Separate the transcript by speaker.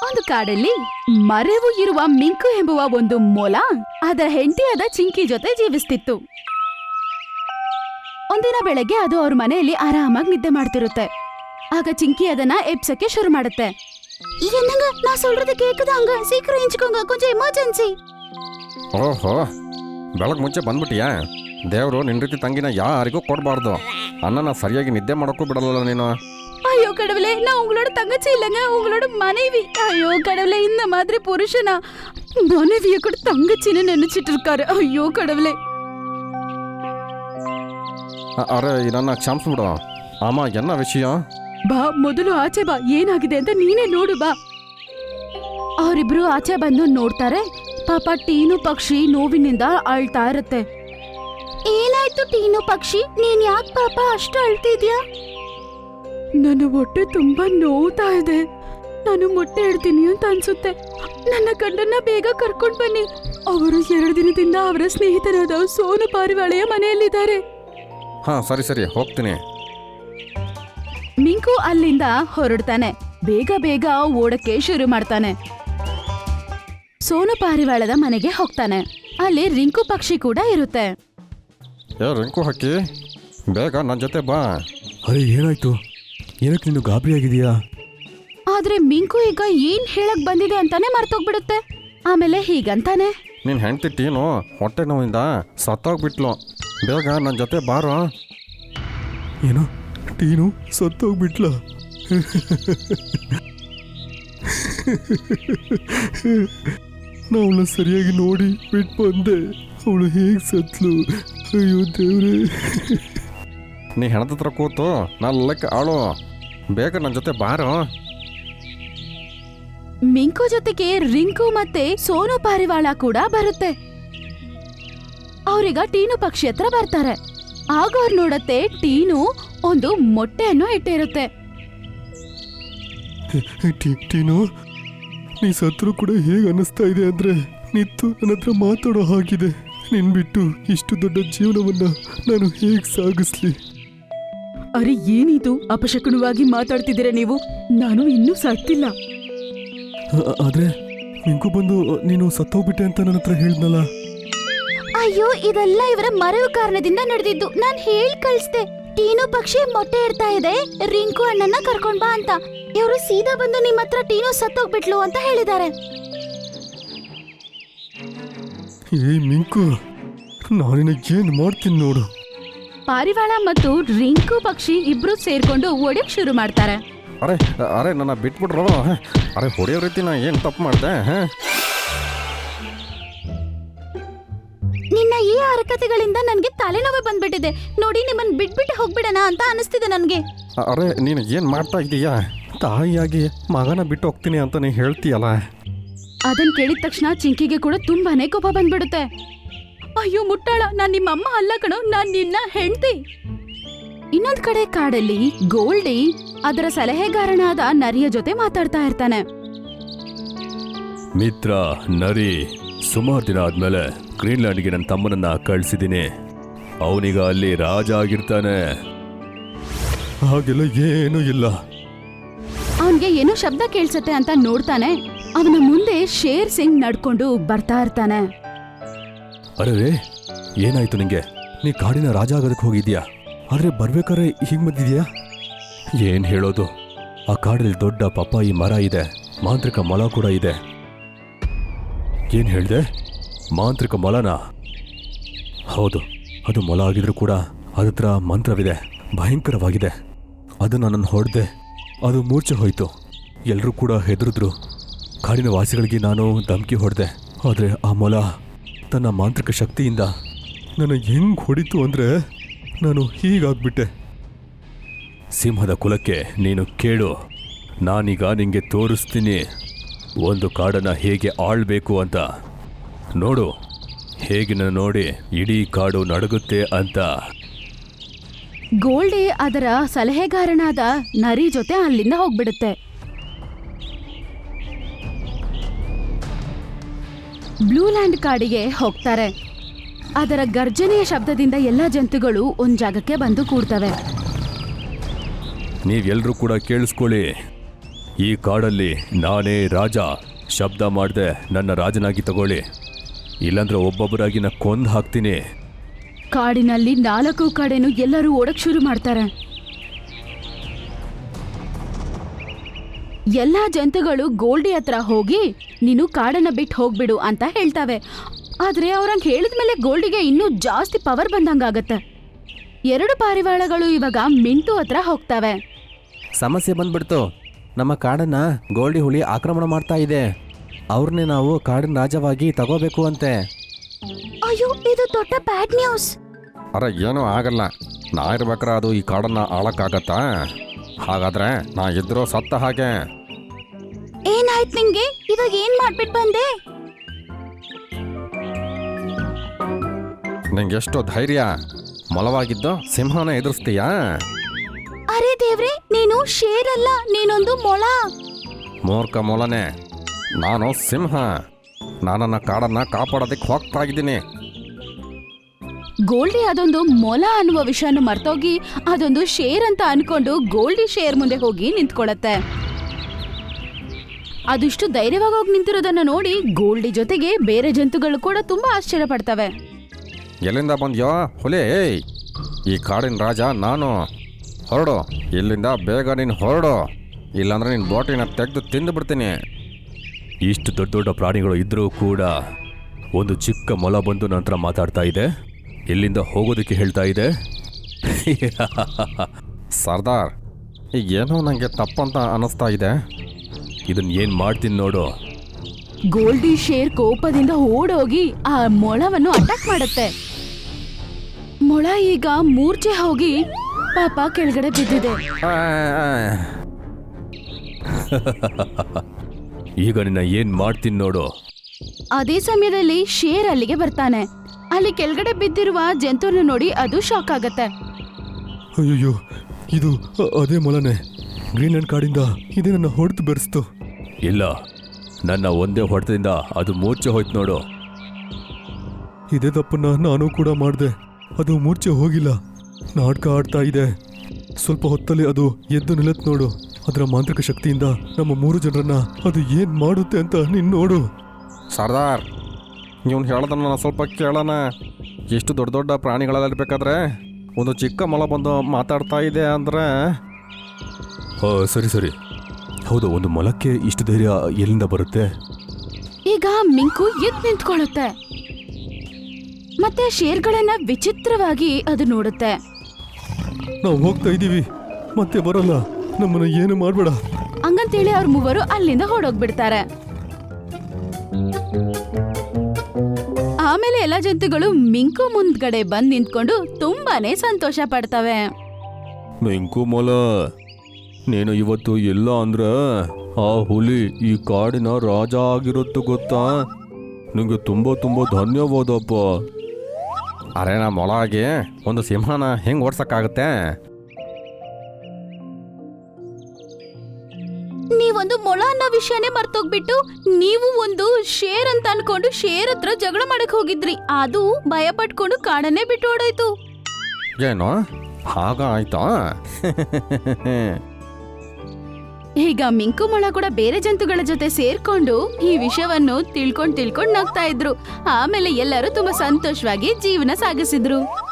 Speaker 1: ಒಂದು ಕಾಡಲ್ಲಿ ಮರೆವು ಇರುವ ಮಿಂಕು ಎಂಬುವ ಒಂದು ಮೊಲ ಅದರ ಹೆಂಡತಿಯಾದ ಚಿಂಕಿ ಜೊತೆ ಜೀವಿಸ್ತಿತ್ತು. ಒಂದಿನ ಬೆಳಗ್ಗೆ ಅದು ಅವ್ರ ಮನೆಯಲ್ಲಿ ಆರಾಮಾಗಿ ನಿದ್ದೆ ಮಾಡ್ತಿರುತ್ತೆ. ಆಗ ಚಿಂಕಿ ಅದನ್ನ ಎಬ್ಸಕ್ಕೆ ಶುರು ಮಾಡುತ್ತೆ. என்னங்க நான் சொல்றது கேக்குதாங்க சீக்கிரம் எஞ்சுக்கோங்க கொஞ்சம் எமர்ஜென்சி.
Speaker 2: ಓಹೋ, ಬೆಳಗ್ಗೆ ಮುಂಚೆ ಬಂದ್ಬಿಟ್ಟಿಯಾ? ದೇವರು ನಿನ್ನ ರೀತಿ ತಂಗಿನ ಯಾರಿಗೂ ಕೊಡಬಾರ್ದು. ಅಣ್ಣನ ಸರಿಯಾಗಿ ನಿದ್ದೆ ಮಾಡೋಕ್ಕೂ ಬಿಡಲ್ಲ ನೀನು.
Speaker 1: ஐயோ கடவுளே, நான் உங்களோட தங்கச்சி இல்லைங்க, உங்களோட மனைவி. ஐயோ கடவுளே, இந்த மாதிரி புருஷனா மனைவிய கூட தங்கச்சின்னு நினைச்சிட்டு இருக்காரு. ஐயோ கடவுளே.
Speaker 2: ಅರೆ, ನನ್ನ ಕ್ಷಮಿಸ್ಬಿಡು. ಅಮ್ಮ, ಎನ್ನ ವಿಷಯ?
Speaker 1: ಬಾ, ಮೊದಲು ಆಚೆ ಬಾ, ಏನಾಗಿದೆ ಅಂತ ನೀನೇ ನೋಡು ಬಾ. ಅವರಿಬ್ರು ಆಚೆ ಬಂದು ನೋಡ್ತಾರೆ. ಪಾಪ ಟೀನು ಪಕ್ಷಿ ನೋವಿನಿಂದ ಅಳ್ತಾ ಇರುತ್ತೆ. ಏನಾಯ್ತು ಟೀನು ಪಕ್ಷಿ, ನೀನ್ ಯಾಕೆ ಪಾಪ ಅಷ್ಟು ಅಳ್ತಿದ್ಯಾ? ನನ್ನ ಹೊಟ್ಟೆ ತುಂಬಾ ನೋವ್ತಾ ಇದೆ. ನಾನು ಮೊಟ್ಟೆ ಇಡ್ತೀನಿ ಅಂತ ಅನ್ಸುತ್ತೆ. ನನ್ನ ಗಂಡನ್ನ ಬೇಗ ಕರ್ಕೊಂಡ್ ಬನ್ನಿ. ಅವರು 2 ದಿನದಿಂದ ಅವರ ಸ್ನೇಹಿತರಾದ ಸೋನು ಪಾರಿವಾಳೆಯ ಮನೆಯಲ್ಲಿದ್ದಾರೆ.
Speaker 2: ಹಾ, ಸರಿ ಸರಿ, ಹೋಗ್ತೀನಿ.
Speaker 1: ಮಿಂಕು ಅಲ್ಲಿಂದ ಹೊರಡ್ತಾನೆ. ಬೇಗ ಬೇಗ ಓಡಕ್ಕೆ ಶುರು ಮಾಡ್ತಾನೆ. ಸೋನು ಪಾರಿವಾಳದ ಮನೆಗೆ ಹೋಗ್ತಾನೆ. ಅಲ್ಲಿ ರಿಂಕು ಪಕ್ಷಿ ಕೂಡ ಇರುತ್ತೆ.
Speaker 2: ರಿಂಕು ಹಕ್ಕಿ, ಬೇಗ ನನ್ನ ಜೊತೆ ಬಾ.
Speaker 3: ಅರೆ, ಏನಾಯ್ತು? ಏನಕ್ಕೆ ನೀನು ಗಾಬರಿಯಾಗಿದೆಯಾ?
Speaker 1: ಆದ್ರೆ ಮಿಂಕು ಈಗ ಏನ್ ಹೇಳಕ್ ಬಂದಿದೆ ಅಂತಾನೆ ಮರ್ತೋಗ್ಬಿಡುತ್ತೆ. ಆಮೇಲೆ ಹೀಗಂತಾನೆ,
Speaker 2: ನಿನ್ನ ಹೆಂಡತಿ ಟೀನು ಹೊಟ್ಟೆ ನೋವಿಂದ ಸತ್ತೋಗ್ಬಿಟ್ಲು. ಬೇಗ ನನ್ನ ಜೊತೆ ಬಾರೋ.
Speaker 3: ಏನು, ಟೀನು ಸತ್ತೋಗ್ಬಿಟ್ಲ? ಅವಳ ಸರಿಯಾಗಿ ನೋಡಿ ಬಿಟ್ಟು ಬಂದೆ. ಅವಳು ಹೇಗೆ ಸತ್ಲು? ಅಯ್ಯೋ ದೇವ್ರೆ.
Speaker 2: ನೀ ಹೆಣದ ಹತ್ರ ಕೂತು ನಲ್ಲಕ್ಕೆ ಆಳು. ಬೇಗ ನನ್ನ ಜೊತೆ ಬಾರೋ.
Speaker 1: ಮಿಂಕು ಜೊತೆಗೆ ರಿಂಕು ಮತ್ತೆ ಸೋನು ಪಾರಿವಾಳ ಕೂಡ ಬರುತ್ತೆ. ಅವ್ರೀಗ ಟೀನು ಪಕ್ಷಿ ಹತ್ರ ಬರ್ತಾರೆ. ಆಗ ಅವ್ರು ನೋಡತ್ತೆ, ಟೀನು ಒಂದು ಮೊಟ್ಟೆಯನ್ನು ಇಟ್ಟಿರುತ್ತೆ.
Speaker 3: ಟೀನು, ನೀ ಸತ್ರು ಕೂಡ ಹೇಗೆ ಅನ್ನಿಸ್ತಾ ಇದೆ ಅಂದ್ರೆ ನಿತ್ತು ನನ್ನ ಹತ್ರ ಮಾತಾಡೋ ಹಾಗಿದೆ. ನಿನ್ ಬಿಟ್ಟು ಇಷ್ಟು ದೊಡ್ಡ ಜೀವನವನ್ನ ನಾನು ಹೇಗೆ ಸಾಗಿಸ್ಲಿ?
Speaker 1: ಅರೆ, ಏನಿದು ಅಪಶಕುನವಾಗಿ ಮಾತಾಡ್ತಿದ್ದೀರ ನೀವು? ನಾನು ಇನ್ನೂ ಸತ್ತಿಲ್ಲ.
Speaker 3: ಆದ್ರೆ ನಿಂಗೂ ಬಂದು ನೀನು ಸತ್ತೋಗ್ಬಿಟ್ಟೆ ಅಂತ ನನ್ನ ಹತ್ರ ಹೇಳಿದ್ನಲ್ಲ.
Speaker 1: ಅಯ್ಯೋ, ಇದೆಲ್ಲ ಇವರ ಮರೆವು ಕಾರಣದಿಂದ ನಡೆದಿದ್ದು. ನಾನ್ ಹೇಳಿ ಕಳಿಸ್ದೆ, ಟೀನು ಪಕ್ಷಿ ಮೊಟ್ಟೆ ಇಡ್ತಾ ಇದೆ, ರಿಂಕು ಅಣ್ಣನ ಕರ್ಕೊಂಡ್ ಬಾ ಅಂತ. ಇವರು ಸೀದಾ ಬಂದು ನಿಮ್ಮ ಹತ್ರ ಟೀನು ಸತ್ತೋಗ್ಬಿಟ್ಲು ಅಂತ ಹೇಳಿದ್ದಾರೆ.
Speaker 3: ಏ ಮಿಂಕು, ನಾನಿನ ಏನ್ ಮಾಡ್ತೀನಿ ನೋಡು.
Speaker 1: ಪಾರಿವಾಳ ಮತ್ತು ರಿಂಕು ಪಕ್ಷಿ ಇಬ್ರು ಸೇರ್ಕೊಂಡು ಒಡೆಯಕ್ ಶುರು ಮಾಡ್ತಾರೆ.
Speaker 2: ಅರೆ ಅರೆ, ನನ್ನ ಬಿಟ್ಬಿಟ್ರು. ಅರೆ, ಹೊಡೆಯೋ ರೀತಿ ನಾ ಏನು ತಪ್ಪು ಮಾಡಿದೆ?
Speaker 1: ನಿನ್ನ ಈ ಹರಕತೆಗಳಿಂದ ನನ್ಗೆ ತಲೆನೋವು ಬಂದ್ಬಿಟ್ಟಿದೆ ನೋಡಿ. ನಿಮ್ಮನ್ ಬಿಟ್ಬಿಟ್ಟು ಹೋಗ್ಬಿಡಣ ಅಂತ ಅನಿಸ್ತಿದೆ ನನ್ಗೆ.
Speaker 2: ಅರೆ, ನೀನು ಏನು ಮಾಡ್ತಾ ಇದ್ದೀಯಾ? ತಾಯಿಯಾಗಿ ಮಗನ ಬಿಟ್ಟು ಹೋಗ್ತೀನಿ ಅಂತ ನೀ ಹೇಳ್ತೀಯಲ್ಲ.
Speaker 1: ಅದನ್ ಕೇಳಿದ ತಕ್ಷಣ ಚಿಂಕಿಗೆ ಕೂಡ ತುಂಬಾನೇ ಕೋಪ ಬಂದ್ಬಿಡುತ್ತೆ. ಅಯ್ಯೋ ಮುಟ್ಟಾಳ, ನಾನ್ ನಿಮ್ಮ ಅಮ್ಮ ಅಲ್ಲ ಕಣೋ, ನಾನ್ ನಿನ್ನ ಹೆಂಡ್ತಿ. ಇನ್ನೊಂದ್ ಕಡೆ ಕಾಡಲ್ಲಿ ಗೋಲ್ಡಿ ಅದರ ಸಲಹೆಗಾರನಾದ ನರಿಯ ಜೊತೆ ಮಾತಾಡ್ತಾ ಇರ್ತಾನೆ.
Speaker 3: ಮಿತ್ರ ನರಿ, ಸುಮಾರು ದಿನ ಆದ್ಮೇಲೆ ಗ್ರೀನ್ಲ್ಯಾಂಡ್ಗೆ ನನ್ನ ತಮ್ಮನನ್ನ ಕಳ್ಸಿದ್ದೀನಿ. ಅವನೀಗ ಅಲ್ಲಿ ರಾಜ ಆಗಿರ್ತಾನೆ. ಹಾಗೆಲ್ಲ ಏನೂ ಇಲ್ಲ.
Speaker 1: ಅವನ್ಗೆ ಏನೋ ಶಬ್ದ ಕೇಳ್ಸತ್ತೆ ಅಂತ ನೋಡ್ತಾನೆ. ಅವನ ಮುಂದೆ ಶೇರ್ ಸಿಂಗ್ ನಡ್ಕೊಂಡು ಬರ್ತಾ ಇರ್ತಾನೆ.
Speaker 3: ಅರೆ, ಏನಾಯ್ತು ನಿಂಗೆ? ನೀ ಕಾಡಿನ ರಾಜ ಆಗೋದಕ್ಕೆ ಹೋಗಿದ್ಯಾ, ಆದ್ರೆ ಬರ್ಬೇಕಾದ್ರೆ ಹೀಗ್ ಬಂದಿದ್ಯಾ? ಏನ್ ಹೇಳೋದು, ಆ ಕಾಡಲ್ಲಿ ದೊಡ್ಡ ಪಪ್ಪಾಯಿ ಮರ ಇದೆ, ಮಾಂತ್ರಿಕ ಮೊಲ ಕೂಡ ಇದೆ. ಏನ್ ಹೇಳ್ದೆ? ಮಾಂತ್ರಿಕ ಮೊಲನಾ? ಹೌದು, ಅದು ಮೊಲ ಆಗಿದ್ರು ಕೂಡ ಅದತ್ರ ಮಂತ್ರವಿದೆ, ಭಯಂಕರವಾಗಿದೆ. ಅದು ನನ್ನನ್ನು ಹೊಡೆದೆ, ಅದು ಮೂರ್ಛೆ ಹೋಯ್ತು. ಎಲ್ಲರೂ ಕೂಡ ಹೆದರಿದ್ರು. ಕಾಡಿನ ವಾಸಿಗಳಿಗೆ ನಾನು ಧಮಕಿ ಹೊಡೆದೆ, ಆದರೆ ಆ ಮೊಲ ತನ್ನ ಮಾಂತ್ರಿಕ ಶಕ್ತಿಯಿಂದ ನನ್ನ ಹೆಂಗ್ ಹೊಡಿತು ಅಂದ್ರೆ ನಾನು ಹೀಗಾಗ್ಬಿಟ್ಟೆ. ಸಿಂಹದ ಕುಲಕ್ಕೆ ನೀನು ಕೇಳು, ನಾನೀಗ ನಿಂಗೆ ತೋರಿಸ್ತೀನಿ ಒಂದು ಕಾಡನ್ನ ಹೇಗೆ ಆಳ್ಬೇಕು ಅಂತ. ನೋಡು, ಹೇಗೆ ನನ್ನ ನೋಡಿ ಇಡೀ ಕಾಡು ನಡುಗುತ್ತೆ ಅಂತ.
Speaker 1: ಗೋಲ್ಡಿ ಅದರ ಸಲಹೆಗಾರನಾದ ನರಿ ಜೊತೆ ಅಲ್ಲಿಂದ ಹೋಗ್ಬಿಡುತ್ತೆ. ಬ್ಲೂಲ್ಯಾಂಡ್ ಕಾಡಿಗೆ ಹೋಗ್ತಾರೆ. ಅದರ ಗರ್ಜನೆಯ ಶಬ್ದದಿಂದ ಎಲ್ಲ ಜಂತುಗಳು ಒಂದ್ ಜಾಗಕ್ಕೆ ಬಂದು ಕೂಡ್ತವೆ.
Speaker 3: ನೀವೆಲ್ಲರೂ ಕೂಡ ಕೇಳಿಸ್ಕೊಳ್ಳಿ, ಈ ಕಾಡಲ್ಲಿ ನಾನೇ ರಾಜ. ಶಬ್ದ ಮಾಡದೆ ನನ್ನ ರಾಜನಾಗಿ ತಗೊಳ್ಳಿ, ಇಲ್ಲಾಂದ್ರೆ ಒಬ್ಬೊಬ್ಬರಾಗಿ ನಾ ಕೊಂದು ಹಾಕ್ತೀನಿ.
Speaker 1: ಕಾಡಿನಲ್ಲಿ 4 ಕಡೆನೂ ಎಲ್ಲರೂ ಓಡಕ್ ಶುರು ಮಾಡ್ತಾರೆ. ಎಲ್ಲಾ ಜಂತುಗಳು ಗೋಲ್ಡಿ ಹತ್ರ ಹೋಗಿ ನೀನು ಕಾಡನ್ನ ಬಿಟ್ಟು ಹೋಗ್ಬಿಡು ಅಂತ ಹೇಳ್ತಾವೆ. ಆದ್ರೆ ಅವ್ರಂಗ್ ಹೇಳಿದ್ಮೇಲೆ ಗೋಲ್ಡಿಗೆ ಇನ್ನೂ ಜಾಸ್ತಿ ಪವರ್ ಬಂದಂಗಾಗತ್ತೆ. 2 ಪಾರಿವಾಳಗಳು ಇವಾಗ ಮಿಂಟು ಹತ್ರ ಹೋಗ್ತವೆ.
Speaker 2: ಸಮಸ್ಯೆ ಬಂದ್ಬಿಡ್ತು. ನಮ್ಮ ಕಾಡನ್ನ ಗೋಲ್ಡಿ ಹುಲಿ ಆಕ್ರಮಣ ಮಾಡ್ತಾ ಇದೆ. ಅವ್ರನ್ನೇ ನಾವು ಕಾಡಿನ ರಾಜವಾಗಿ ತಗೋಬೇಕು ಅಂತೆ.
Speaker 1: ಅಯ್ಯೋ, ಇದು ದೊಡ್ಡ ಬ್ಯಾಡ್ ನ್ಯೂಸ್.
Speaker 2: ಅರೆ ಏನೂ ಆಗಲ್ಲ. ನಾ ಇರ್ಬೇಕ್ರ ಅದು ಈ ಕಾಡನ್ನ ಆಳಕ್ಕಾಗತ್ತಾ? ಹಾಗಾದ್ರೆ ನಾ ಇದ್ರೂ ಸತ್ತ ಹಾಗೆ.
Speaker 1: ಏನಾಯ್ತು ನಿಂಗೆ? ಇವಾಗ ಏನ್ ಮಾಡ್ಬಿಟ್ಟು ಬಂದೆ?
Speaker 2: ನಿಂಗೆಷ್ಟು ಧೈರ್ಯ? ಮೊಲವಾಗಿದ್ದು ಸಿಂಹನ ಎದುರಿಸ್ತೀಯಾ?
Speaker 1: ಅರೆ ದೇವ್ರೆ, ನೀನು ಶೇರ್ ಅಲ್ಲ, ನೀನೊಂದು ಮೊಳ.
Speaker 2: ಮೂರ್ಖ ಮೊಲನೆ, ನಾನು ಸಿಂಹ. ನಾನನ್ನ ಕಾಡನ್ನ ಕಾಪಾಡೋದಕ್ಕೆ ಹೋಗ್ತಾ ಇದ್ದೀನಿ.
Speaker 1: ಗೋಲ್ಡಿ ಅದೊಂದು ಮೊಲ ಅನ್ನುವ ವಿಷಯನ ಮರ್ತೋಗಿ ಅದೊಂದು ಶೇರ್ ಅಂತ ಅನ್ಕೊಂಡು ಗೋಲ್ಡಿ ಶೇರ್ ಮುಂದೆ ಹೋಗಿ ನಿಂತ್ಕೊಳತ್ತೆ. ಅದಿಷ್ಟು ಧೈರ್ಯವಾಗಿ ಹೋಗಿ ನಿಂತಿರೋದನ್ನ ನೋಡಿ ಗೋಲ್ಡಿ ಜೊತೆಗೆ ಬೇರೆ ಜಂತುಗಳು ಕೂಡ ತುಂಬಾ ಆಶ್ಚರ್ಯ ಪಡ್ತವೆ.
Speaker 2: ಎಲ್ಲಿಂದ ಬಂದ್ಯೋ ಹುಲಿ? ಈ ಕಾಡಿನ ರಾಜ ನಾನು. ಹೊರಡು ಇಲ್ಲಿಂದ, ಬೇಗ ನೀನು ಹೊರಡು, ಇಲ್ಲಾಂದ್ರೆ ನಿನ್ನ ಬೋಟಿನ ತೆಗೆದು ತಿಂದು ಬಿಡ್ತೀನಿ.
Speaker 3: ಇಷ್ಟು ದೊಡ್ಡ ದೊಡ್ಡ ಪ್ರಾಣಿಗಳು ಇದ್ರೂ ಕೂಡ ಒಂದು ಚಿಕ್ಕ ಮೊಲ ಬಂದು ನಂತರ ಮಾತಾಡ್ತಾ ಇದೆ. ಎಲ್ಲಿಂದ ಹೋಗೋದಕ್ಕೆ ಹೇಳ್ತಾ ಇದೆ.
Speaker 2: ಸರ್ದಾರ್, ಈಗೇನೋ ನನಗೆ ತಪ್ಪಂತ ಅನ್ನಿಸ್ತಾ ಇದೆ.
Speaker 3: ಇದನ್ನ ಏನು ಮಾಡ್ತೀನಿ ನೋಡು.
Speaker 1: ಗೋಲ್ಡಿ ಶೇರ್ ಕೋಪದಿಂದ ಓಡೋಗಿ ಆ ಮೊಳವನ್ನು ಅಟ್ಯಾಕ್ ಮಾಡುತ್ತೆ. ಮೊಳ ಈಗ ಮೂರ್ಛೆ ಹೋಗಿ ಪಾಪ ಕೆಳಗಡೆ ಬಿದ್ದಿದೆ.
Speaker 3: ಈಗ ನಿನ್ನ ಏನು ಮಾಡ್ತೀನಿ ನೋಡು.
Speaker 1: ಅದೇ ಸಮಯದಲ್ಲಿ ಶೇರ್ ಅಲ್ಲಿಗೆ ಬರ್ತಾನೆ. ಅಲ್ಲಿ ಕೆಳಗಡೆ ಬಿದ್ದಿರುವ ಜಂತುವನ್ನು ನೋಡಿ ಅದು ಶಾಕ್ ಆಗತ್ತೆ.
Speaker 3: ಅಯ್ಯೋ, ಇದು ಅದೇ ಮೊಲನೆ. ಗ್ರೀನ್ಲ್ಯಾಂಡ್ ಕಾಡಿಂದ ಇದೇ ನನ್ನ ಹೊಡೆದು ಬೆರೆಸ್ತು. ಇಲ್ಲ, ನನ್ನ ಒಂದೇ ಹೊಡೆತದಿಂದ ಅದು ಮೂರ್ಛೆ ಹೋಯ್ತು ನೋಡು. ಇದೇ ತಪ್ಪನ್ನ ನಾನು ಕೂಡ ಮಾಡಿದೆ. ಅದು ಮೂರ್ಛೆ ಹೋಗಿಲ್ಲ, ನಾಟಕ ಆಡ್ತಾ ಇದೆ. ಸ್ವಲ್ಪ ಹೊತ್ತಲ್ಲಿ ಅದು ಎದ್ದು ನಿಲ್ಲತ್ ನೋಡು. ಅದರ ಮಾಂತ್ರಿಕ ಶಕ್ತಿಯಿಂದ ನಮ್ಮ 3 ಜನರನ್ನ ಅದು ಏನ್ ಮಾಡುತ್ತೆ ಅಂತ ನೀನು ನೋಡು.
Speaker 2: ಸರ್ದಾರ್, ನೀವು ಹೇಳೋದನ್ನ ನಾನು ಸ್ವಲ್ಪ ಕೇಳೋಣ. ಎಷ್ಟು ದೊಡ್ಡ ದೊಡ್ಡ ಪ್ರಾಣಿಗಳಲ್ಲಿರ್ಬೇಕಾದ್ರೆ ಒಂದು ಚಿಕ್ಕ ಮೊಲ ಬಂದು ಮಾತಾಡ್ತಾ ಇದೆ ಅಂದರೆ?
Speaker 3: ಸರಿ ಸರಿ, ಹೌದು, ಒಂದು ಮೊಲಕ್ಕೆ ಇಷ್ಟು ಧೈರ್ಯ ಎಲ್ಲಿಂದ ಬರುತ್ತೆ?
Speaker 1: ಈಗ ಮಿಂಕು ಎದ್ದು ನಿಂತ್ಕೊಳ್ಳುತ್ತೆ. ಮತ್ತೆ ಶೇರ್ಗಳನ್ನ ವಿಚಿತ್ರವಾಗಿ ಅದು ನೋಡುತ್ತೆ.
Speaker 3: ನಾವು ಹೋಗ್ತಾ ಇದ್ದೀವಿ, ಮತ್ತೆ ಬರಲ್ಲ, ನಮ್ಮನ್ನ ಏನು ಮಾಡಬೇಡ.
Speaker 1: ಹಂಗಂತೇಳಿ ಅವ್ರ 3 ಅಲ್ಲಿಂದ ಹೊರಡೋಗ್ಬಿಡ್ತಾರೆ. ಆಮೇಲೆ ಎಲ್ಲ ಜಂತುಗಳು ಮಿಂಕು ಮುಂದ್ಗಡೆ ಬಂದ್ ನಿಂತ್ಕೊಂಡು ತುಂಬಾನೇ ಸಂತೋಷ ಪಡ್ತವೆ.
Speaker 3: ಮಿಂಕು ಮೊಲ, ನೀನು ಇವತ್ತು ಇಲ್ಲ ಅಂದ್ರೆ ಆ ಹುಲಿ ಈ ಕಾಡಿನ ರಾಜ ಆಗಿರುತ್ತು ಗೊತ್ತಾ? ನಿಂಗೆ ತುಂಬ ತುಂಬ ಧನ್ಯವಾದಪ್ಪ.
Speaker 2: ಅರೆ, ನಾ ಮೊಲ ಆಗಿ ಒಂದು ಸಿಂಹನ ಹೆಂಗೆ ಓಡ್ಸಕ್ಕಾಗುತ್ತೆ?
Speaker 1: ನೀವೊಂದು ಮೊಳ ಅನ್ನೋ ವಿಷಯನೇ ಮರ್ತೋಗ್ಬಿಟ್ಟು ನೀವು ಒಂದು ಶೇರ್ ಅಂತ ಅನ್ಕೊಂಡು ಶೇರ್ ಹತ್ರ ಜಗಳ ಮಾಡಕ್ ಹೋಗಿದ್ರಿ. ಅದು ಭಯ ಪಟ್ಕೊಂಡು ಕಾಡನ್ನೇ ಬಿಟ್ಟು ಓಡಾಯ್ತು.
Speaker 2: ಏನು ಹಾಗ ಆಯ್ತಾ?
Speaker 1: ಈಗ ಮಿಂಕು ಮೊಳ ಕೂಡ ಬೇರೆ ಜಂತುಗಳ ಜೊತೆ ಸೇರ್ಕೊಂಡು ಈ ವಿಷಯವನ್ನು ತಿಳ್ಕೊಂಡ್ ನಗ್ತಾ ಇದ್ರು. ಆಮೇಲೆ ಎಲ್ಲರೂ ತುಂಬಾ ಸಂತೋಷವಾಗಿ ಜೀವನ ಸಾಗಿಸಿದ್ರು.